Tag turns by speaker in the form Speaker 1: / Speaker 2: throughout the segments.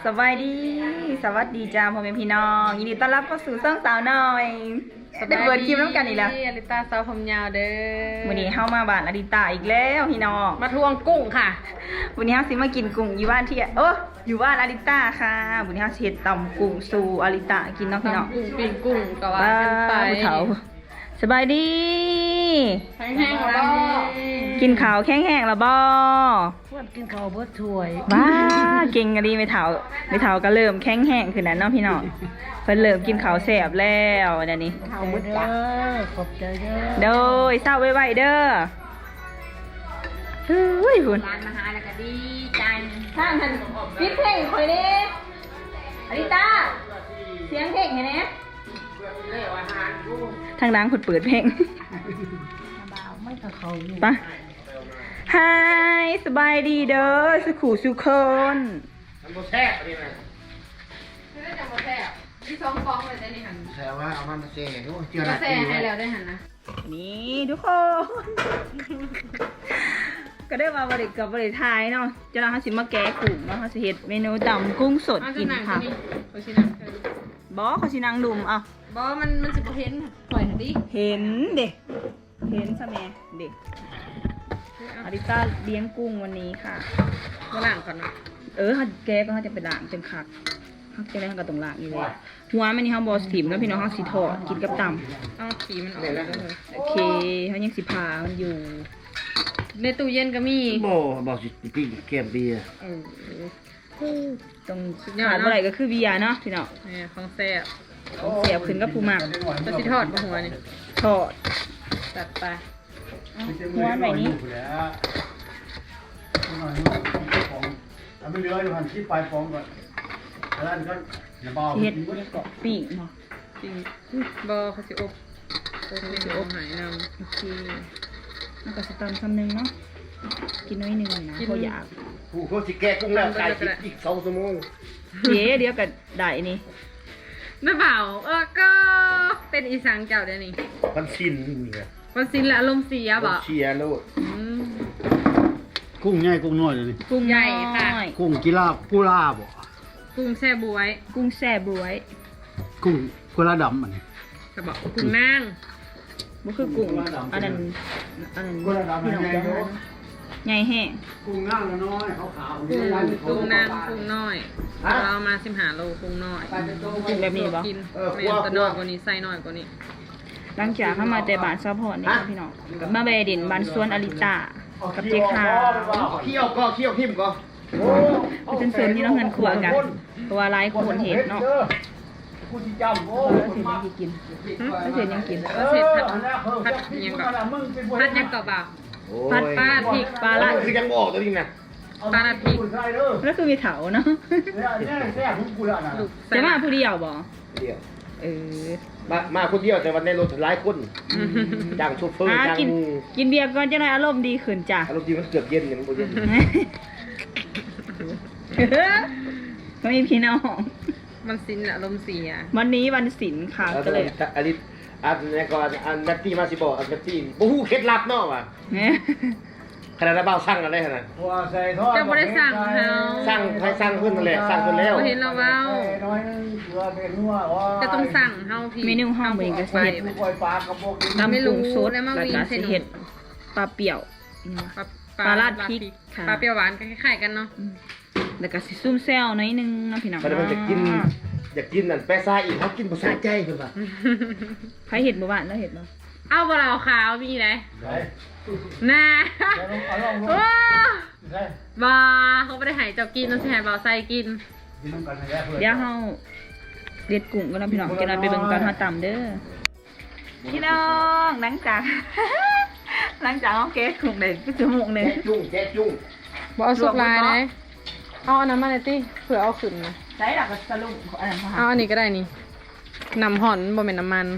Speaker 1: สบายดีสวัสดีจ้าพ่อแม่พี่น้องยินดีต้อนรับเข้าสู่ช่องสาวน้อยได้เปิดคลิปน้ำกันอีกแล้ว
Speaker 2: อลิตาสาวผมยาวเด้อ
Speaker 1: วันนี้เข้ามาบ้านอลิตาอีกแล้วพี่น้อง
Speaker 2: มาทวงกุ้งค่ะ
Speaker 1: วันนี้เฮาสิมากินกุ้งอยู่บ้านที่อยู่บ้านอลิตาค่ะวันนี้เฮาสิเฮ็ดตำกุ้งสู่อลิตากินเนาะพี่น้อง
Speaker 2: กุ้งปิ้งกุ้งก็ว่ากันไป
Speaker 1: ผู้เฒ่าสบายดี
Speaker 2: แห้งๆแล้ว
Speaker 1: กินข้าวแห้งๆแล้วบ่
Speaker 2: พวดกินข้าวบ่ถ้วย
Speaker 1: ว้าเก่งกันดีไม่เฒ่าก็เริ่มแห้งๆขึ้นแล้วเนาะพี่น้องเพิ่นเริ่มกินข้าวแซ่บแล้วเดี๋ยวนี้
Speaker 2: ข้าวบ่จ้าขอบใจ
Speaker 1: เด้อโดยเศร้าไว้ๆเด้อเฮ้ยคุณ
Speaker 2: ร้านมาหาแล้วก็ดีใจ
Speaker 1: ทางหันปิดเพลงคอยเด้อลิตาเสียงเพลงเห็นไหมทางดังคุณเปิดเพลงปะไฮสบายดีเด้อสุขุสุคน
Speaker 3: ทำโมแซ่บนี่นะ
Speaker 2: ได้จังโมแซ่บที่2ฟองเลยได้นี่หัน
Speaker 3: แซ่บว่าเอามันมาแซ่ด้วยเจือ
Speaker 2: ละแซ่ให้แล้วได้หันนะ
Speaker 1: นี่ทุกคนก็ได้มาบริกับบริทายเนาะจะเราสิมาแกะกุ้งเนาะเขาสิเฮ็ดเมนูตำกุ้งสดกินค่ะบอเขาสินางดุมเอา
Speaker 2: บอมันสิบ่เห็นปล่อยดิ
Speaker 1: เห็นเด็กเห็นซะแม่เด็กอาริต้าเลี้ยงกุ้งวันนี้ค่ะ
Speaker 2: ก็ล้างก่อนนะ
Speaker 1: แกก็เขาจะไปล้างจังคักเขาจะได้เขาก็ต้องล้างอยู่เลยหัวมันนี่เขาบอสถิมแล้วพี่น้องเขาสีทอดกินกับตำ
Speaker 2: เอาขีมันออกแล้ว
Speaker 1: โอเคเขายังสีผ่ามันอยู่
Speaker 2: ในตู้เย็นก็มี
Speaker 3: บอกสิปิ้งแกมเบียร์
Speaker 1: ตรงขาดเมื่อไหร่ก็คือเบียร์เนาะพี่น้อง
Speaker 2: นี่ของแซ่บ
Speaker 1: เสียบขึ้นกับปูหมัก
Speaker 2: ก็สิทอดหัวนี่
Speaker 1: ทอด
Speaker 2: ตัดไป
Speaker 1: หัวแบบนี้
Speaker 3: เอาไปเรืออยู่หันที่ปลายฟองก่อนแล้วก็อย่าเบา
Speaker 1: เฮ็ดเกาะปีกเนาะ
Speaker 2: ปีกบอเขาสิอบนี่สิอบหายนำ
Speaker 1: โอเคแล้วก็สตำซ้ำนึงเนาะกินน้อยนึงนะเพราะอยาก
Speaker 3: ผู้เขาสิแก้กุ้งแล้วขายอีก2 ชั่วโมง
Speaker 1: เดี๋ยวก็ได้นี่
Speaker 2: น้าเปล่าก็เป็นอีสังเจ้าเดี๋ยวนี้
Speaker 3: มันชินนี่ไง
Speaker 2: มันชินและอารมณ์เสียบ่
Speaker 3: เสียโลด
Speaker 4: กุ้งใหญ่กุ้งน้อยเลยนี่
Speaker 2: กุ้งใหญ่ค่ะ
Speaker 4: กุ้งกุลาบ่
Speaker 2: กุ้งแซ่บวย
Speaker 1: กุ้งแซ่บวย
Speaker 4: กุ้งกุลาดำอันนี้
Speaker 2: จะบอกกุ้งนาง
Speaker 1: มันคือกุ้งอันนั้นพี่น้องจะหาใหญ่แห้ง
Speaker 4: กุ้งนางน้อยขาว
Speaker 2: กุ้งนางกุ้งน้อยเรามา15 โลกุ้งน้อย
Speaker 1: กุ้งแบบนี้บ่
Speaker 2: กินแม่ตัวน้อยกว่านี้ไส้น้อยกว่านี้
Speaker 1: หลังจากเข้ามาแต่บ้านซัพพอร์ตนี่พี่น้องกับมาแบดินบ้านสวนอลิตากับเจ๊ขาว
Speaker 3: เคี่ยวทิ่มก็
Speaker 1: เป็นส่วนที่เราเงินขวกันเพราะว่าหลายคนเห็นเนาะ
Speaker 3: ผู้ที่จำ
Speaker 1: เสร็จยังกิน
Speaker 2: เสร็จพัดยังก่อนพัดยังก่อนบ่าวพัดปลาพริกปลาละ
Speaker 3: คือยังบอกตัวนี้นะ
Speaker 2: ปลาละพริก
Speaker 1: แล้วคือมีเถาเนาะจะมาผู้เดียวบ่
Speaker 3: มาคนเดียวแต่วันในรถหลายคนจ้างโชเฟอร์จ้าง
Speaker 1: กินเบียร์ก่อนจะได้อารมณ์ดีขึ้นจ้ะ
Speaker 3: อารมณ์ดีมันเกือบเย็นอย่างมันเย็น
Speaker 1: ก็มีพี่น้อง
Speaker 2: มันสินอารมณ์เสีย
Speaker 1: วันนี้วันศิลค่ะก็เลย
Speaker 3: อันนี้ก่อนอันนัตตี้มาสิบอกอันนัตตี้บู๊เคล็ดลับเนาะว่ะขนาดเบาสั่งอะไรขนาด
Speaker 2: จะไม่ได้สั่งเขา
Speaker 3: สั่งขึ้นนั่นแหละสั่งขึ้นแล้ว
Speaker 2: เห็นเราเบาจะต้องสั่งเขาพี่
Speaker 1: เมนูห้องเหมือนกันเห็ดตำกุ้งสดแล้วก็เห็ดปลาเปี่ยวปลาลาดพริก
Speaker 2: ปลาเปรี้ยวหวานก็คล้ายๆกันเนาะ
Speaker 1: แล้วก็ซุ่มแซวน้อยนึงนะพี่น้อง
Speaker 3: แต่มันอยากกินนั่นแปซ่าอีกเขากินภาษาใจเพิ่นว่า
Speaker 1: ใครเห็ดบ่บ้านแล้วเห็ดบ่
Speaker 2: เอาบ่เราขาวมีไหนน่าบ่เขาไม่ได้ให้เจ้ากินต้องใช้บ่าวใส่กิน
Speaker 1: เดี๋ยวเฮาเด็ดกุ้งกันนะพี่น้องจะนำไปเบิ่งตอนเฮาตำเด้อพี่น้องหลังจากเฮาเก็บกุ้งได้ชั่วโมงนึง
Speaker 3: แจ๊จุ้ง
Speaker 2: บ่เอาสุกลายเลยเอาอันนั้นมาเลยติเผื่อเอาขึ้นนะ
Speaker 1: ใช้หลักสรุป
Speaker 2: เอาอันนี้ก็ได้นี่น้ำห่อนบ่เป็นน้ำมัน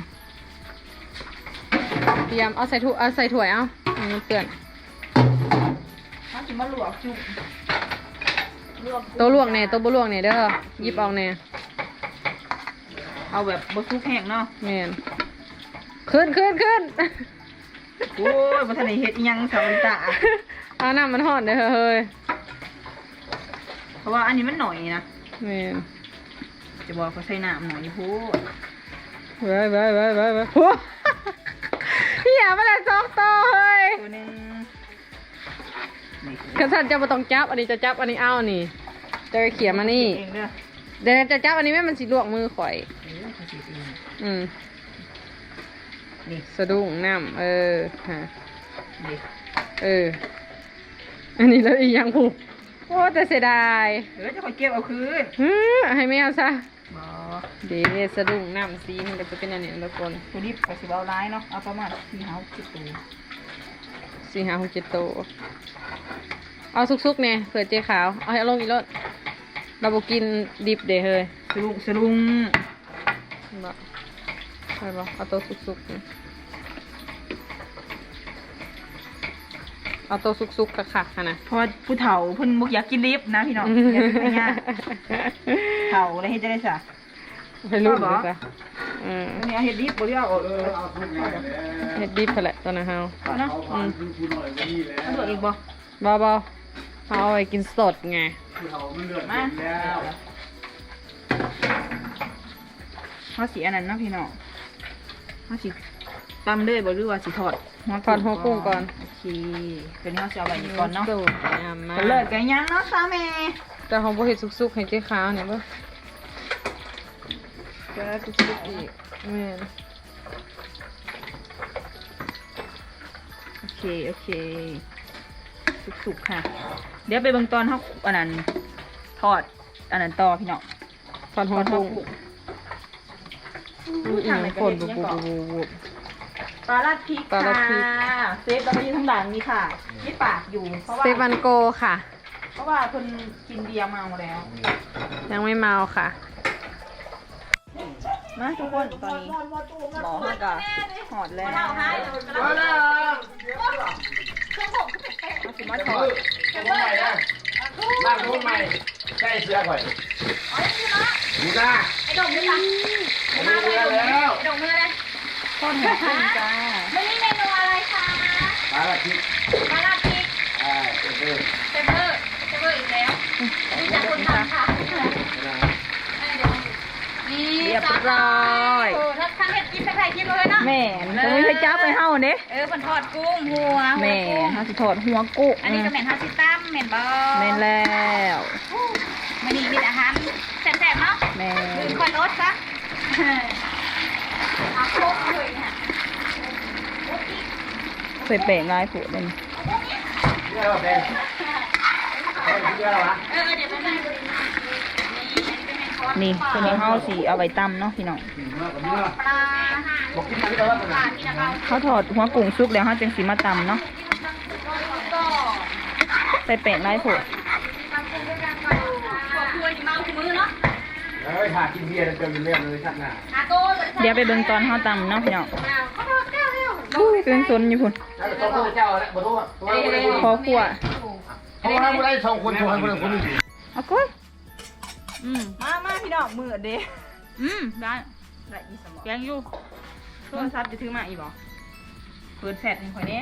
Speaker 2: เตรียมเอาใส่ถ้วยเอาเปื่อน
Speaker 1: เขาจะมาลวกจุ่ม
Speaker 2: ตัวลวกเนี่ยตัวบ่ลวกเนี่ยเด้อหยิบเอาเนี่ย
Speaker 1: เอาแบบบ่ซุกแห้งเนาะ
Speaker 2: แม่นขึ้น
Speaker 1: โอ้ยบ่ทันได้เฮ็ดยังสาวตา
Speaker 2: เอาน้ำมันห่อนเด้อเฮ้ย
Speaker 1: เพราะว่าอันนี้มันหน่อยนะ
Speaker 2: แม่น
Speaker 1: จะบอกเขาใส่น้ำหน่อยพูด
Speaker 2: ไว้โอ้พี่อย่ามาเลย2ตัวเฮ้ย
Speaker 1: ตัวหนึงนี่
Speaker 2: กระสันจะมาต้องจับอันนี้จะจับอันนี้เอานี่จะไปเขี่ยมานี่
Speaker 1: เองเด้อ
Speaker 2: เดี๋ยวจะจับอันนี้แม่มันสิลวกมือข่อย
Speaker 1: เขาสิเอง
Speaker 2: อืม
Speaker 1: นี่
Speaker 2: สะดุ้งน้ำฮะ
Speaker 1: นี่
Speaker 2: อันนี้แล้วอีกอย่างผูกโอ้แต่เสียดาย
Speaker 1: จะคอยเก็บเอาคืน
Speaker 2: ให้ไม่เอาซะ
Speaker 1: บอ
Speaker 2: เดี๋ยวสะดุ้งน้ำสีมันก็จะเป็นอันนี้ทุกคน
Speaker 1: ตัวนี้ไปสิบเอาร้ายเนาะเอาประมาณ4-5 ตัว
Speaker 2: 4-5-6-7 ตัวเอาซุกๆเนี่ยเผื่อเจ๊ขาวเอาให้ลงอีกรถเราบอกกินดิบเด้เฮ้ย
Speaker 1: สลุง
Speaker 2: บอกใช่ปะเอาตัวซุกๆนี่เอาตัวซุกๆคักๆค่ะนะ
Speaker 1: เพราะว่าผู้เฒ่าเพิ่นบ่อยากกินลิฟต์นะพี่น้องอยากกินง่ายๆเฒ่าแล้วเฮ็ดจะได้ซะ
Speaker 2: ไปรุ่นเลยจ้ะ
Speaker 1: อันนี้เอาเฮ็ดลิฟต์บ่ได้เอา
Speaker 4: เอาทุกอย่างแล้ว
Speaker 2: เฮ็ดดิบแหละตอนนั้นเฮา
Speaker 1: เอาเนาะ
Speaker 4: เอาความคือคุณหน่อยวันนี้แล้ว
Speaker 1: เอาตัวอีกบ่
Speaker 2: เบาๆเอาไว้กินสดไง
Speaker 4: คือเขามันเลือด
Speaker 1: มา
Speaker 4: เต็มแล้ว
Speaker 1: เฮาสิอันนั้นเนาะพี่น้องเฮาสิตำเลยบ่หรือว่าสิทอด
Speaker 2: ทอดหัวกุ้งก่อน
Speaker 1: โอเคตัวนี้เฮาสิเอาไว้นี่ก่อนเนาะ
Speaker 2: สูตรยำมา
Speaker 1: ก็เลิกกันยังเนาะซาแม่
Speaker 2: แต่ของบ่เฮ็ดสุกๆให้เจ๊ขาวเนี่ยบ่จะสุกๆอีกแม่น
Speaker 1: โอเคสุกๆค่ะ เดี๋ยวไปเบิ่งตอนเฮาอันนั้นทอดอันนั้นต่อพี่น้อง
Speaker 2: ทอดหัวกุ้ง
Speaker 1: อู้
Speaker 2: อี
Speaker 1: ทาง
Speaker 2: ก
Speaker 1: ไหน
Speaker 2: ค
Speaker 1: ก็
Speaker 2: น
Speaker 1: เด็ด
Speaker 2: บุ
Speaker 1: ยัง
Speaker 2: บ
Speaker 1: ก่อน
Speaker 2: บุบ
Speaker 1: ปลาลัดพริก
Speaker 2: ปลาลัดพริก
Speaker 1: ค่ะเซฟเราไปยืนข้างหลังนี่ค่ะนี่ปากอยู่เพราะว่า
Speaker 2: เซฟันโกค่ะ
Speaker 1: เพราะว่าคนกินเบียร์เมาแล้ว
Speaker 2: ยังไม่เมาค่ะ
Speaker 1: มาทุกคนตอนนี้หมอเขาก็หอดแล้วเอาสิมาถอด
Speaker 3: ตัวใหม่นะบ้านตัวใหม่ใช่เสื้อข่อยดูหน้า
Speaker 5: ไอ้ดงด้วยค่ะ
Speaker 3: มาแล้ว
Speaker 5: ไอ้ดงเนื้อเลย
Speaker 1: ทอดหัวกุ้งจ้า
Speaker 5: วันนี้เมนูอะไรคะ
Speaker 3: มาละทิศ
Speaker 5: มาลาพริก
Speaker 3: เออ
Speaker 5: เซเบอร์อีกแล้วนี่จากคนทำค่ะนี่
Speaker 1: เรียบร้อย
Speaker 5: โอ้ถ้าทางเห็ดกินใครกินเลยเนาะ
Speaker 1: แม่นจะไม่เคยจับไปเฮาเด้
Speaker 5: มันทอดกุ้งหัว
Speaker 1: แม่เฮาสิถอดหัวกุ้ง
Speaker 5: อันนี้ก็เหม็นฮาซิตั้มเหม็นบอ
Speaker 1: แม่นแล้ว
Speaker 5: มันนี่มีอาหารแซ่บๆเนาะ
Speaker 1: แม่
Speaker 5: คือคอยรสซะเอาโคกเลยเนี่ย
Speaker 1: ใส่แป้งลายผูดเลย
Speaker 3: เสื้อแดงเสื้ออะไรวะ
Speaker 5: เดี๋ยวไปนั่งดู
Speaker 1: นี่ตัวนี้เฮาสิเอาไว้ตำเนาะพี่น้อง
Speaker 5: ปลา
Speaker 3: บอกกินมาที่เราแล้ว
Speaker 5: ปลาที่เรา
Speaker 1: เขาถอดหัวกุ้งซุกแล้วเฮาจังสิมาตำเนาะ
Speaker 5: ก็
Speaker 1: ใส่แป้งลายผูด
Speaker 5: ครอบครัวนี่เมาทุกมื้อเนาะ
Speaker 3: เฮ้ยหากินเบียร์เต็มเรื่องเลยชักหน้า
Speaker 5: อาโก้
Speaker 1: เดี๋ยวไปเบิ่งตอนเฮาตำเนาะพี่น้อง
Speaker 5: เขาบอกแก้ว
Speaker 1: เครื่องซนอยู่พุ่น
Speaker 3: แล้วต้องพูดเจ้าแล้วบ่ต้อง
Speaker 1: พอขั่ว
Speaker 3: เพราะว่าไม่ได้2คน2คนคนนี้
Speaker 1: เอาก้อยมาพี่น้องมือเด้ได้อีสมองแกงอยู่โทรศัพท์จะถือมาอีบ่เปิดแฟลชให้ข่อยเด้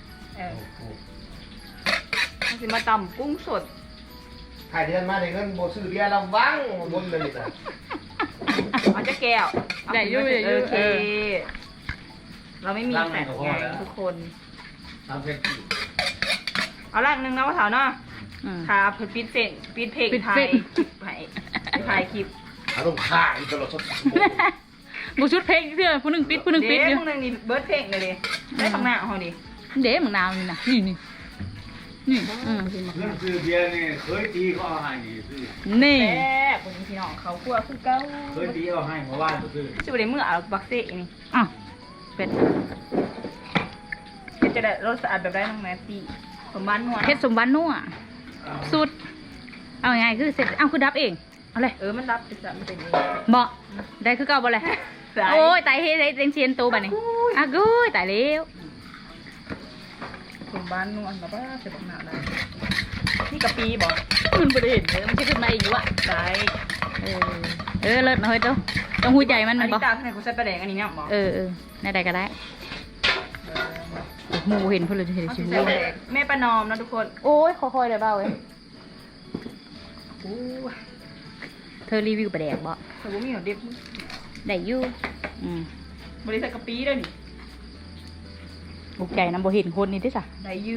Speaker 1: มันสิมาตำกุ้งสด
Speaker 3: ถ่ายเดือนมาได้เงินบ่ซื้อเบียร์ระวังบนเลยจ้ะ
Speaker 1: เอาจะแก้ว
Speaker 2: ใหญ่อยู่
Speaker 1: โอเค เราไม่มีแฟลชไงทุกคน
Speaker 3: ตามเพชร
Speaker 1: เอาล่างนึงนะว่าเถาเนาะค่ะเปิดปิดเส้นปิดเพลงถ่ายคลิปถ่ายคลิป
Speaker 3: อารมณ์ข้าอีตลอดสด
Speaker 2: บุชุดเพลงเพื่อผู้หนึ่งปิดผู้หนึ่งปิด
Speaker 1: เด้
Speaker 2: อยู่
Speaker 1: มึงนึงนี่เบิร์ดเพลงเลยดิได้ข้างหน้าเขาดิ
Speaker 2: เด้มึงนาวนี่นะนี่นี่
Speaker 4: เรื่องซื้อเบียร์นี่เคยตีเขาเอาให้นี่ซื้อ
Speaker 2: นี่
Speaker 1: แม่คนนี้พี่น้องเขาคั่วคือเก้า
Speaker 4: เคยตีเอาให้เมื่อวานก็ซื้อ
Speaker 1: ชื่ออะไรเมื่อเอาบักเซ่นี่
Speaker 2: อ่ะเป็ด
Speaker 1: จะได้รสสะอาดแบบได้น้องแมตตี้สมบัตินวล
Speaker 2: เพชรสมบัตินัวสุดเอาไงคือเสร็จเอาคือดับเองเอาเลย
Speaker 1: มันรับจะมันเป็นเอง
Speaker 2: บ่ได้คือเก่าบ่เลยโอ้ยตายเฮ้ยได้เชียนตัวบัดนี้อ่ะกูยตายแล้ว
Speaker 1: สมบัตินวลแบบว่าเสร็จหนาได้นี่กะปีบอก
Speaker 2: มันบ่ได้เห็นเลยมันจะขึ้นมาอีกอยู่อ่ะ
Speaker 1: ได้
Speaker 2: เลิศนะเฮ้ยเจ้าต้องหูใจมัน
Speaker 1: อั
Speaker 2: มัน น
Speaker 1: นี้
Speaker 2: บ่
Speaker 1: ตาข้างในกูใส่ปลาแดงอันนี้เนี่ยบอก
Speaker 2: ในใดก็ได้หมูเห็นเพิ่นเลยเห็น
Speaker 1: เขา
Speaker 2: ชิ
Speaker 1: สิ
Speaker 2: ว
Speaker 1: ใส่ปลาแดงแม่ประนอมนะทุกคน
Speaker 2: โอ้ยค่อยๆได้เบาเว้ย
Speaker 1: อู้
Speaker 2: ธอรีวิวปลาแดกบ่
Speaker 1: แต่ว่ามีหนเด็บ
Speaker 2: ได้อยู่
Speaker 1: บริษัทกะปิด้วยนี่
Speaker 2: บุกใจน้ำบ่เห็นคนนี่ได้จ้ะ
Speaker 1: ได้อยู่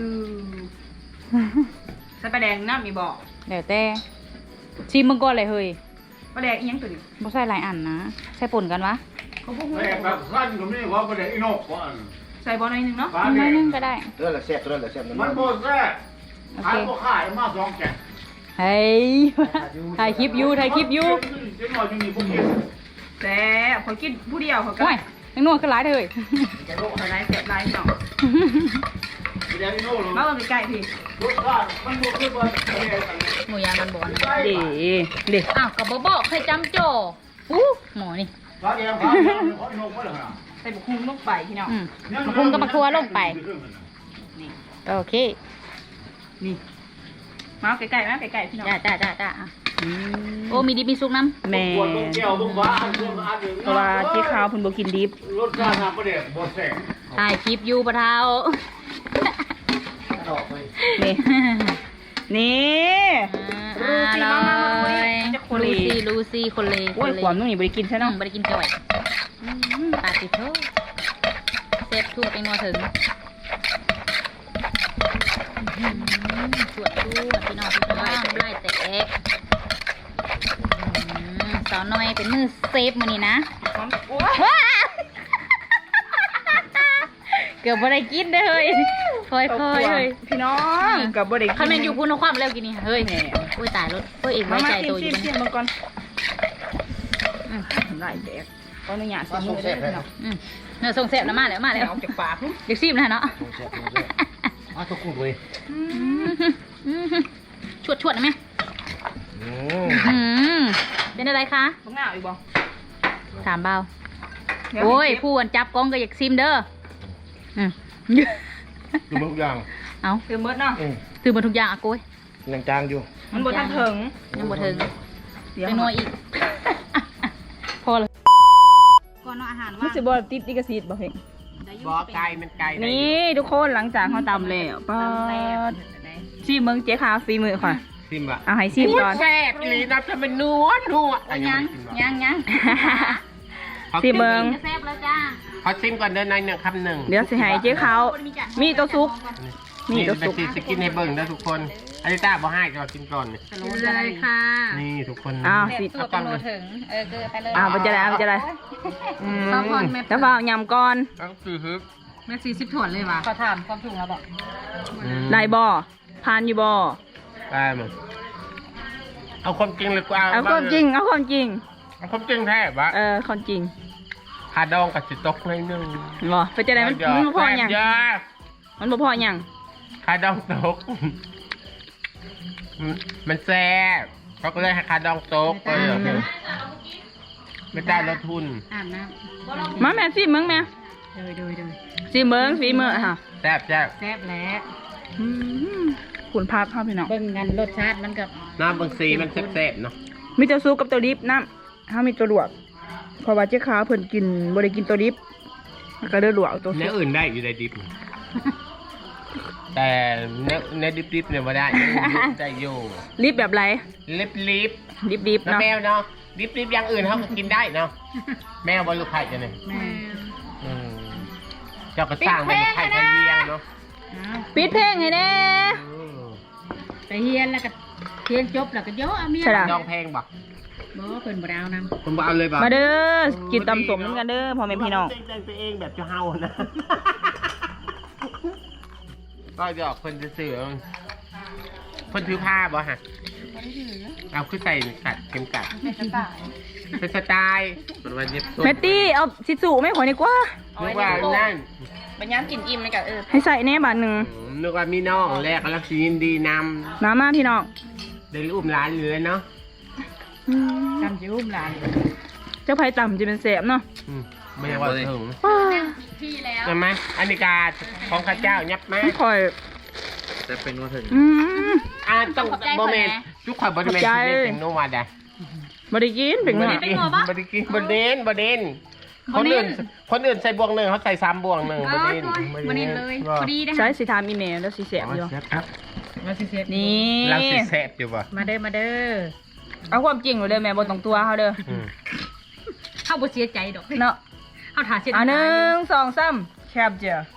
Speaker 1: ใส่ปลาแดงน้ำมีบอก
Speaker 2: เดี๋ยวแต่ชิมมึงก่อนเลยเฮ้ย
Speaker 1: ปลาแดงอีหยังตัวนี้
Speaker 2: บ่ใส่หลายอันนะใส่ป่นกันวะ
Speaker 1: เขาพูด
Speaker 4: แม่แบบสั้นก็ไม่ว่าประเดี๋ยวอีนกว่า
Speaker 1: ใส่บอลหน่อยหนึงเนาะ
Speaker 4: ฟ้า
Speaker 2: น้
Speaker 4: เนี่
Speaker 2: อย
Speaker 4: ย
Speaker 2: นึงก็ได้
Speaker 3: เรื่องละแซ่บเรื่องละแซ่บ
Speaker 4: มันโบแซ่ขายบ่ขายมาสองแกะ
Speaker 2: เฮ้ยถ่ายคลิปอยู่ถ่ายคลิปอยู่
Speaker 4: เจ๊หน่อยจะมีพวกเก็บ
Speaker 1: แต่พอกินผู้เดียวเขาก็
Speaker 2: โอ้ยยังนวดขึ้นหลายเลย
Speaker 1: ใส่ไลฟ์เสียบไลฟ์เนาะ
Speaker 4: เดี๋ยวอีโน่เลย
Speaker 1: มาเอาใกล้ๆพี่
Speaker 4: รสชาติมันบ่คือว่าประเดี๋ยว
Speaker 2: หมูยางมันบ่นะ
Speaker 1: เด็
Speaker 2: อ้าวกับบ่บอกเคยจำโจอู้หมอนี่
Speaker 4: ฟ้าแดงฟ้าแดงขออีนกมาเลยนะ
Speaker 1: ใส่บุกฮุ้งลงไปพี่น้อง
Speaker 2: มาพุงกับมาทัวลงไป
Speaker 1: นี่
Speaker 2: โอเค
Speaker 1: นี่มาเอาใกล้ๆมาใกล้ๆพี่น้อง
Speaker 2: จ้าโอ้มีดิบมีซุกน้ำ
Speaker 1: แม่
Speaker 4: ปวดตรงแก้วตรงฟ้าอันเดียวอันหนึ่ง
Speaker 1: เพราะว่าที่ขาวเพิ่นบ่กินดิบ
Speaker 4: รสชาติประเดี๋ยวบ่แซ่บ
Speaker 2: ถ่ายคลิปอยู่ปะเท้า
Speaker 3: ออกไป
Speaker 1: นี่ นี่
Speaker 2: ลูซี่คนเล
Speaker 1: โอ้ยขวามตรงนี้บ่ได้กินใช่
Speaker 2: น้อ
Speaker 1: เนาะ
Speaker 2: งไม่ได้กินจ่อยปาติโทเซฟทั่วไปงัวถึงสวดพี่น้องไล่แตกสาวน้อยเป็นมือเซฟมือนี่นะ
Speaker 1: โอ้ย
Speaker 2: เกือบบ่ได้กินเลยค่อยๆเลย
Speaker 1: พี่น้องก็บ่ได้กิน
Speaker 2: ข้าแม่นอยู่พูนความแล้วกินนี่เฮ้ยโอ้ยตายรถเฮ้ยเองไว้ใจตัวอยู่
Speaker 1: ชิมมาก่อนไล่แดกขออนุญาตสิมือเด้อพี่น้อง
Speaker 2: เนื้อทรงแซ่บนะมาแล้ว
Speaker 1: ออกจากปาก
Speaker 2: เด็กซิมนะเนาะ
Speaker 3: แซ่บอ้าวทุกคนเลย
Speaker 2: ชวดนะแม่เป็นอะไรคะ
Speaker 1: บ่งาวอีกบ่
Speaker 2: ถามเบาโอ้ยผู้อันจับกล้องก็อยากซิมเด้อ
Speaker 3: ดูทุกอย่าง
Speaker 2: เอา
Speaker 1: คือมดเนาะ
Speaker 2: ตื่นมาทุกอย่างอะโก้ย
Speaker 3: ยังจางอยู่
Speaker 1: มันบ่ทันถึง
Speaker 2: ยังบ่ถึง
Speaker 1: เดี๋ยว
Speaker 2: เป็นนัวอีก พอเลยก่อนเนาะอาหาร
Speaker 1: มัน
Speaker 2: ว่า
Speaker 1: สิบ่ติดลิขสิทธิ์บ่เพ่ง
Speaker 3: บ่ไก่มันไก่
Speaker 1: นี่ทุกคนหลังจากเขาตำแล้วป้าดชิมเมืองเจ๊ขาวฝีมือค่ะ
Speaker 3: ซิมอ่ะ
Speaker 1: เอาให้ชิมก่อน
Speaker 3: แซ่บลีนับจะเป็นนัว
Speaker 2: ยัง
Speaker 1: ชิมเมือง
Speaker 2: จะแซ่บแล้วจ้า
Speaker 3: ขอซิมก่อนเดินในหนึ่งคำหนึ่ง
Speaker 1: เดี๋ยวสิให้เจ๊ขาวมีตัวซุก มีตัวซุก
Speaker 3: จะกินให้เบิ่งนะทุกคนอันนี้ต้าบ่ให้จะกินก่อน
Speaker 2: เลยค่ะ
Speaker 3: นี่ทุกคน
Speaker 1: อ้าวสิ
Speaker 2: สูตรเป็นโลถึงเกลือไปเลย
Speaker 1: อ้าวมันจะได้มันจะได้แล้วเปล่ายำก่อน
Speaker 3: ต้องซื้อฮึบ
Speaker 2: แม่40ถ้วนเลยว่ะขอถามความถูกแล้วบอก
Speaker 1: ได้บ่พานอยู่บ่
Speaker 3: ได้มั้งเอาความจริงเลยกู
Speaker 1: เอาความจริงเอาความจริง
Speaker 3: เอาความจริงแท้ปะ
Speaker 1: ความจริง
Speaker 3: คาดองกับจิตตกในอยนึง
Speaker 1: บ่ไปจะได้มันบ่พอหยัง
Speaker 3: แซ่บยาก
Speaker 1: มันบ่พอหยัง
Speaker 3: คาดองตก มันแซ่บเขาก็เลยให้คาดองตกก็เลยไม่ได้ลดทุน
Speaker 2: อาบน้
Speaker 1: มาแม่สิเมืองแม่
Speaker 2: ำโดย
Speaker 1: สิเมืองฝีมือค่ะ
Speaker 3: แซ่บแซ่บ
Speaker 2: แซ่บแล้ว
Speaker 1: ขุนพักครับพี่น้อง
Speaker 2: เบิ่งกันรสชาติมันกับ
Speaker 3: น้ำบางสีมันแซ่บๆเนาะ
Speaker 1: มีตัวซุปกับตัวดิบน้ำถ้ามีตัวลวกเพราะว่าเจ๊ขาวเพิ่นกินบ่ได้กินตัวดิบแล้วก็เลือลวกเอาตัวซุ
Speaker 3: เนื้อ
Speaker 1: ป
Speaker 3: อื่นได้อยู่ในดิบ แต่เนื้อดิบๆเนี่ยไม่ได้ได้อยู่
Speaker 1: ลิบแบบไร
Speaker 3: ลิบ
Speaker 1: ดิบ
Speaker 3: ๆ
Speaker 1: ๆ
Speaker 3: แล้ว
Speaker 1: เนาะ
Speaker 3: แมวเนาะดิบๆอย่างอื่นเขาก็กินได้เนาะแมวบอลลูกไข่จะเนี่ย
Speaker 2: แม่
Speaker 3: เจ้าก็สร้างเป็นไข่ไทยเลี้ยงเนาะ
Speaker 1: ปิดเพลงให้แน่
Speaker 2: ไปเฮียนแล้วก็เฮียนจบแล้วก็เยอะอ่ะเมีย
Speaker 1: ใช่ล่ะ
Speaker 3: ดองแพงบ่
Speaker 2: บ่เพิ่นบ่ได้เอานำ
Speaker 3: ผมบอกเอาเลยบ่
Speaker 1: มาเด้อกินตำสมน้ำกันเด้อพ่อแม่พี่น้อง
Speaker 3: แต่งตัวเองแบบเจ้าเฮานะก็หยอกคนจะสื่อคนถือผ้าบ่ฮะเอาขึ้นใส่กัดเข็มกัดเป็นสไตล์เป็นวันเย็บ
Speaker 1: แมตตี้เอาชิสุไม่ขอดีกว่า
Speaker 3: นึกว่านั่น
Speaker 1: เป็นย้ำกินอิ่มเลยกับให้ใส่แน่บาทหนึ่ง
Speaker 3: นึกว่ามีน้องแรกกำลังยินดีน
Speaker 1: น้ำมาพี่น้อง
Speaker 3: ำได้รูปร้านอยู่เลยเนาะ
Speaker 2: จำจิ้มหลาน
Speaker 1: เจ้าไผ่ต่ำจะเป็นแสบเนาะ
Speaker 3: ไม่ได้ว่าถึง
Speaker 2: พี่แล้ว
Speaker 3: ใช่ไหมอันนี้กาของข้าเจ้ายับไหม
Speaker 1: ไม่คอย
Speaker 4: จะเป็นว่าถึง
Speaker 3: ต้องโมเมนต์ทุกคนบริเวณที่เล่นเป็นโนวาดะ
Speaker 1: บริกินเป็นไง
Speaker 3: บริกินบดเด่นคนอื่นใส่บวงหนึ่งเขาใส่3 บวงหนึ่งบดเด่น
Speaker 2: วันนี้เลยพอดีนะ
Speaker 1: ใช้สีทามอีเมลแล้วสีแสบอยู่
Speaker 3: ครับ
Speaker 2: มาสิเสร็จ
Speaker 1: นี่
Speaker 3: เราสิแซ่บอยู่ป่ะ
Speaker 2: มาเด้อ
Speaker 1: เอาความจริงเลยแม่บ่ต้องตัวเขาเด้อ
Speaker 5: เข้าบ่เสียใจดอก
Speaker 1: เนาะ
Speaker 5: เข้าถ่าเสีย
Speaker 1: 1 2 3แคปเจอ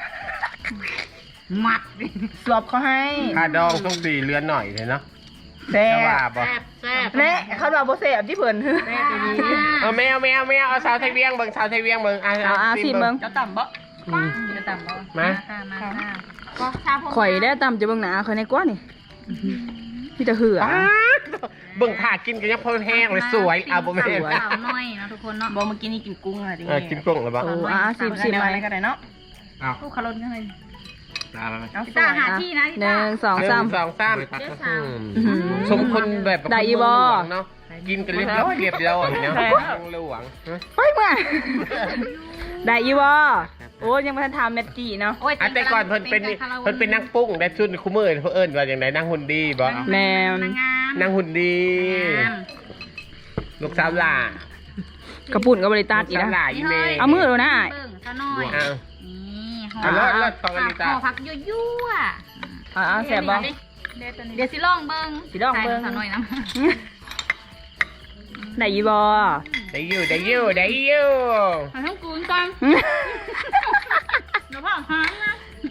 Speaker 5: มัด
Speaker 1: สวบเขาให้
Speaker 3: ค่าดองต้องตีเรือนหน่อยเลยเนาะ
Speaker 1: แซ่
Speaker 3: จะว่า
Speaker 1: บ
Speaker 3: บ่
Speaker 5: แซ่บ
Speaker 1: และเขาว่าบ่แซ่บที่เพิ่น
Speaker 5: แซ่บดี
Speaker 3: เอาแมวเอาสาวไทยเวียงเบิ่งสาวไทยเวียงเบิ่ง
Speaker 1: เอาสิเบิ่ง
Speaker 5: จะต่ำบ่
Speaker 3: อืม
Speaker 5: จะต่ำบ่
Speaker 3: มา
Speaker 5: มาก็ชาพ
Speaker 1: ข่อยได้ตำจะเบิ่งหน้าข่อยในกว่านี่พี่จะเหือ
Speaker 3: เบิ่งถ่ากินกันยังพอแห้งเลยสวยเอาบ่แม่น
Speaker 5: สาวน้อยนะทุกคนเนาะ
Speaker 1: บ่เมื่อกี้นี่กินกุ้งอะไรดิ
Speaker 3: กินกุ้งหรือเปล่า
Speaker 1: โอ้สิไปก็ได้เนาะ
Speaker 3: เอา
Speaker 5: ลูกคารนกันเลย
Speaker 3: เอาไป
Speaker 1: เอา
Speaker 5: ตาหาที่นะ
Speaker 1: 1 2 3
Speaker 3: 1 2 3สมคนแบบ
Speaker 1: ได้อีบ่
Speaker 3: เนาะกินกันเรียบร้อยเนาะหลวง
Speaker 1: ไปมาได้อีบ่โอ้ยังบ่ทันถามแมตตี้เนาะ
Speaker 3: แต่ก่อนเพิ่นเป็นนางปุ้งได้ชุดคู่มือเพิ่นเอิ้นว่าจังไดนางหุ่นดีบ่
Speaker 1: แม่น
Speaker 3: นางหุ่นดีลูกสาวหล่าก
Speaker 1: ระปุ่นก็บ่ได้ตัดอีก
Speaker 3: สาวห
Speaker 1: นะ
Speaker 3: ล่าอีเมย์
Speaker 1: เอามือดูนะ
Speaker 5: เบิ่งซะหน่อย
Speaker 3: เอา
Speaker 5: นี่หอ
Speaker 3: เอา
Speaker 5: ม
Speaker 3: รถของอลิตา
Speaker 5: ผักยั่ว
Speaker 1: แซ่บบ่
Speaker 5: เดี๋ยวสิลองเบิ่ง
Speaker 1: สิลองเบิ่ง
Speaker 5: ใส่ซะหน่อยนะ
Speaker 1: ได้อีบ่
Speaker 3: ได้อยู่
Speaker 5: หาทั้งกูนก่อนเดี๋ยวพ่อหางนะ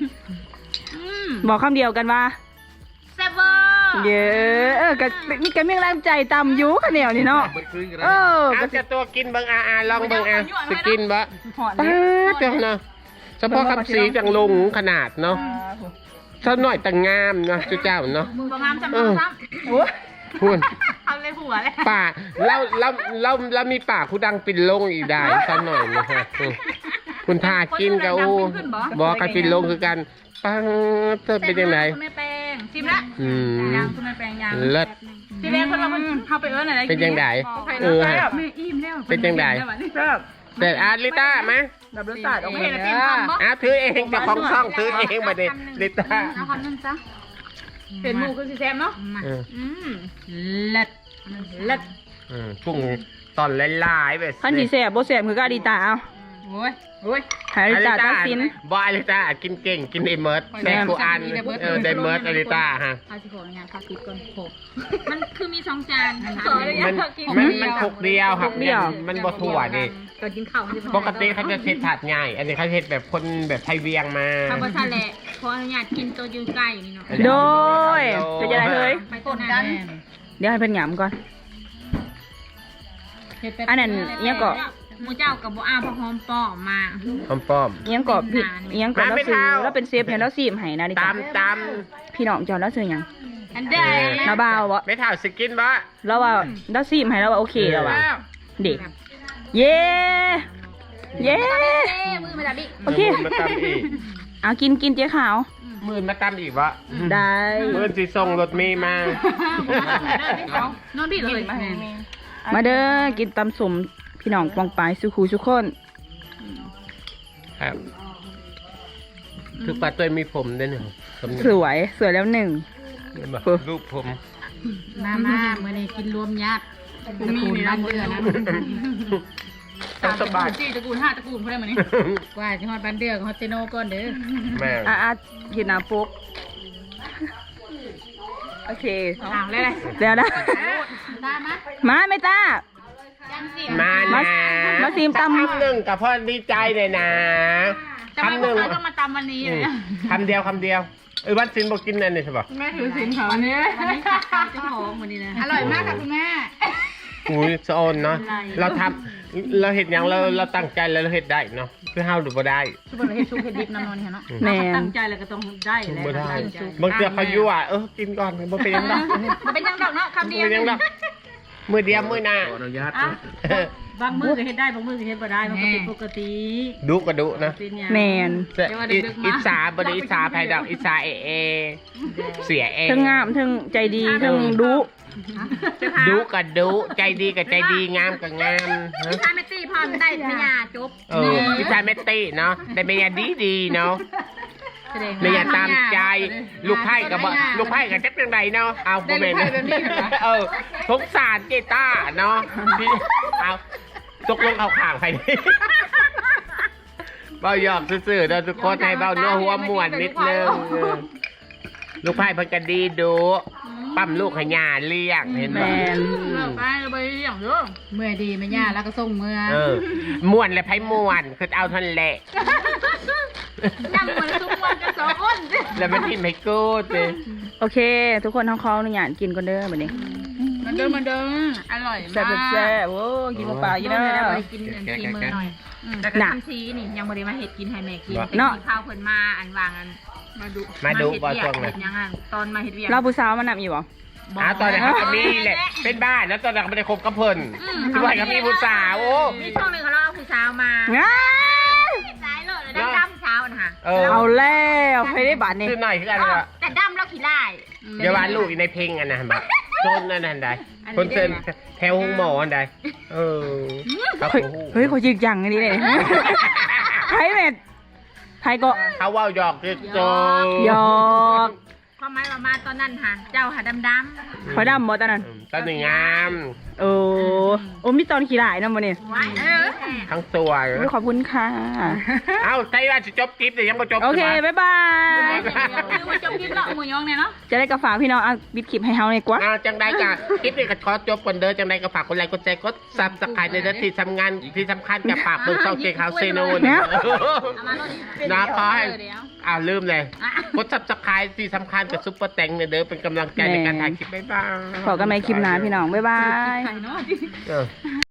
Speaker 1: บอกคำเดียวกันว่า
Speaker 5: แซ่บเวอร์
Speaker 1: เยอะก็มีกันเมียงแรงใจต่ำอยู่ข้าวเหนียวนี่เนาะเออ
Speaker 3: เอาจะตัวกินเบิ่งลองเบิ่งสิกินบ่
Speaker 1: หอด
Speaker 3: ป้าเจ้าเนาะเฉพาะคำสีจังลงขนาดเนาะเท่าหน่อยแต่งามเนาะเจ้าเนาะ
Speaker 5: มือประงามจำซ้ำ
Speaker 1: โอ้
Speaker 3: พูน
Speaker 5: เอาเลยหัวเลย
Speaker 3: ป่าเรามีป่าคูดังปินลงอีกได้สักหน่อยนะฮะคุณทากินกับอูบอกกันปินลงคือกันปังเธอเป็นยังไง
Speaker 5: คุณแม่แปงซิมละ
Speaker 3: ม
Speaker 5: ยางคุณแม่แปงยาง
Speaker 3: เลิศ
Speaker 5: ทีแรกคนเราเข้าไปเอิ้นอะไร
Speaker 3: เป็นยังไงเออฮะ
Speaker 5: แม่อิ่มแล้ว
Speaker 3: เป็นยังไง
Speaker 1: ครับ
Speaker 3: แต่อาลิต้ามา
Speaker 1: แบบรสชาติออกมา
Speaker 5: เห็น
Speaker 1: เน
Speaker 5: แล้ว
Speaker 1: ี่
Speaker 5: เป็นความบ่
Speaker 3: ถือเองเจ้าของช่องถือเองมาดิลิต้า
Speaker 5: เอาคำนึงซะเป็นหมูคือสิแซมเนาะ
Speaker 1: เล็ดเล็ด
Speaker 3: กุ้งตอนลายๆแบบ
Speaker 1: ขั้นที่แสบบ่แสบคือก็อดีตาเอา
Speaker 5: โอ้ยโอ้ย
Speaker 1: หาอดีตาตัดสิน
Speaker 3: บอลิต้ากินเก่งกินไอเมิร์ดแซ่บกูอันไดเมิร์ดอลิต้าฮะ
Speaker 5: พาสิขออนุญาตพาติดก่อนโขมันคือมี2จาน
Speaker 3: มันคกเดียวครับมันบ่ถั่วดิ
Speaker 5: ก่อนกินข้าวมันจะ
Speaker 3: ปกติเขาจะเช็ดถาดง่าย อันนี้เขาเช็ดแบบคนแบบไทยเวียงมา
Speaker 5: ข้าวบะทะเลขออนุญาตกินตัวยูไก่นี่เนาะ
Speaker 1: โดยจะจะได้เลย
Speaker 5: ไปกดกัน
Speaker 1: เดี๋ยวให้เพิ่นหยำก่อน อันนั้นเอียงก็
Speaker 5: หมูเจ้ากับบ่อ้าวพอหอมป้อมา
Speaker 3: ป้อม
Speaker 1: เอียงก็ผิดเอียงก็แล้วซื้อแล้วเป็นเซฟให้แล้วซีมให้นะดิ
Speaker 3: ตามตาม
Speaker 1: พี่น้องเจ้าแล้วซื้อหยัง
Speaker 5: อันใด
Speaker 1: นาบ่าวบ่
Speaker 3: ไม่ถ่าสกินบ่
Speaker 1: แล้วว่าแล้วซีมให้แล้วว่าโอเคแล้วว่าเด็กเย้เย้
Speaker 5: มือมาจับดิ
Speaker 1: โอเค
Speaker 3: มาตามอีก
Speaker 1: เอากินเจ๊ขาว
Speaker 3: มื่นมาตามอีกวะ
Speaker 1: ได้
Speaker 3: มื่นสิส่งรถเมย์มา
Speaker 5: นอนพี่เลย
Speaker 1: มาเด้อกินตำสมพี่น้องปองปายสุขูสุกคน
Speaker 3: ครับคือปลาตัวมีผมด้วยเนี่ย
Speaker 1: สวยแล้วหนึ่ง
Speaker 3: รูปผม
Speaker 5: มาเมื่อนี้กินรวมญาติตระกูลบ้านเดือนะตระกูล4ตระกูล5ตระกูลเพิ่นได้มื้อนี้กว่าสิฮอดบ้านเดือกับฮอดเซโนก่อนเด้อ
Speaker 3: แม่
Speaker 1: อ่ะกินน้ำปุ๊กโอเค
Speaker 5: เลย
Speaker 1: แล้วนะ
Speaker 5: ตามมา
Speaker 1: มาไม่ต้า
Speaker 5: จังสิ
Speaker 3: มานะ
Speaker 1: มาซีมตำ
Speaker 3: คำหนึ่งกับพ่อดีใจเลยนะ
Speaker 5: ทำไมพวกเขาต้องมาตำวันนี้เลย
Speaker 3: คำเดียววันศิลป์บอกกินนั่นนี่ใช่ปะ
Speaker 5: แม่ถือสินเขาเนี่ยวันนี้ขาดจะหอมวันนี้นะอร่อยมากค่ะคุณแม่
Speaker 3: อุ้ยสะออนเนาะเราทำเราเห็นอย่างเราตั้งใจแล้วเราเห็นได้เนาะคือห้าวหรือบ่ได้
Speaker 5: ชุบเห็ดชุบเห็ดดิบนอนๆเนาะ
Speaker 1: แม่
Speaker 5: ตั้งใจแล้วก็ต้องได้แหละ
Speaker 3: บ่ได้บางเทื่อเขายั่วกินก่อนบ่เป็นยังไง
Speaker 5: มันเป็นยังดอกเนาะคำเดียว
Speaker 3: เป็นยังไงมือเดียวมือหน้า
Speaker 4: ขออนุญาต
Speaker 5: บางมือก็เห็ดได้บางมือก็เห็ดบ่ได้มันก็เป็นปกติ
Speaker 3: ดุก็ดุนะ
Speaker 5: เป็นอย่าง
Speaker 1: แมน
Speaker 3: อิสาบริอิสาไพดอกอิสาเอเสียเอง
Speaker 1: เทั้งงามเทั้งใจดีเทั้งดุ
Speaker 3: ดุกับดุใจดีกับใจดีงามกับงาม
Speaker 5: พี่ชายแม่ตีพร้อมได้ไม่ยาจบ
Speaker 3: พี่ชายเมตตี้เนาะได้เมียดีเนาะเมียตามใจลูกไพ่กับลูกไพ่กับเจ๊เป็นไรเนาะเอาโมเมนต์สงสารเจต้าเนาะเอาตกลงเอาข่างไปเบ้าหยอกซื่อๆเราทุกคนให้เบ้าเนื้อหัวม่วนนิดนึงลูกไพ่เพิ่นก็ดีดุปั๊มลูกให้ยาเลี้ยงเห็นไหม
Speaker 5: ไปไปอย่างเด้อเมื่อดีไม่ย่าแล้วก็ส่งเมื่อ
Speaker 3: ม่วนและไพ่ม่วนคือเอาทันแหละ
Speaker 5: นั่งเหมือนทุกวันกัน2 คน
Speaker 3: แล้วมันกินไม่กูดเลย
Speaker 1: โอเค ทุกคนท้องคอหนูอยากกินก่อนเด้อบัดนี้
Speaker 5: มันเดิมอร่อยมาก
Speaker 1: แซ่บแซ่บโอ้กินเปล่าๆอยู่เด้อ
Speaker 5: ไปกินทีมือหน่อยแต่ก็ทำซีนี่ยังบ่ได้มาเฮ็ดกินให้แม่กินเป็นข้าวเพิ่นมาอันวางอันมาดูบ่ช่วงเลยยังตอนมาเฮ็ดเวียก
Speaker 1: เราผู้สาวมันนำอยู่บ่
Speaker 3: ตอนนั้นก็มีแหละเป็นบ้านแล้วตอนนั้นก็ไม่ได้คบกับเพิ่นด้วยก็มีผู้สาวโอ้
Speaker 5: มีช่วงนึงเขาเอาผู้สาวมา
Speaker 1: ง่าย
Speaker 5: สายเลยแล้วดำเช้านะคะ
Speaker 1: เอาแล้วไปได้บาทนี่
Speaker 3: คือหน่อยคืออะไรวะ
Speaker 5: แต่ดำแล้วขี้ไล่
Speaker 3: เดี๋ยวว่าลูกอยู่ในเพลงอันนั้นแบบโซนนั่นใดคนเซนแถวห้องหมออันใดครับ
Speaker 1: เฮ้ยเขาจริงจังอันนี้เลยไพ่เม็ดไพ่ก็
Speaker 3: เขาว่าหยอกคือโจ
Speaker 1: หยอก
Speaker 5: ความหมายว่ามาตอนนั้นค่ะเจ้าหาดำ
Speaker 1: ไฟดำบ่ตอนนั้น
Speaker 3: ตอนหนึ่งงาม
Speaker 1: โอ้มีตอนขี้หลายนะมันนี่
Speaker 5: ไว้
Speaker 3: ทั้งตัว
Speaker 1: ขอบคุณค่ะ
Speaker 3: เอ้าใช่ว่าจะจบคลิปแต่ยังไม่จบ
Speaker 1: โอเค บ๊ายบาย
Speaker 5: คือมาจบกินเนาะหมูยองเนี่ยเนาะ
Speaker 1: จะได้กระฝากพี่น้องเอาบิดคลิปให้เฮาเลยกว่า
Speaker 3: จังได้กะคลิปนี้ก็ขอจบก่อนเด้อจังได้ก็ฝากคนไลค์กดแชร์กดซับสไครต์ในที่ทำงานที่สำคัญกับฝากเบิ่งช่องเจ๊ขาวเซโนนะขอให้ลืมเลยกดซับสไครต์ที่สำคัญกับซุปเปอร์แตงเนี่ยเด้อเป็นกำลังใจในการถ่ายคลิปบ๊ายบาย
Speaker 1: ขอกันใหม่คลิปหน้าพี่น้อง บ๊ายบาย
Speaker 5: ไข่เนาะ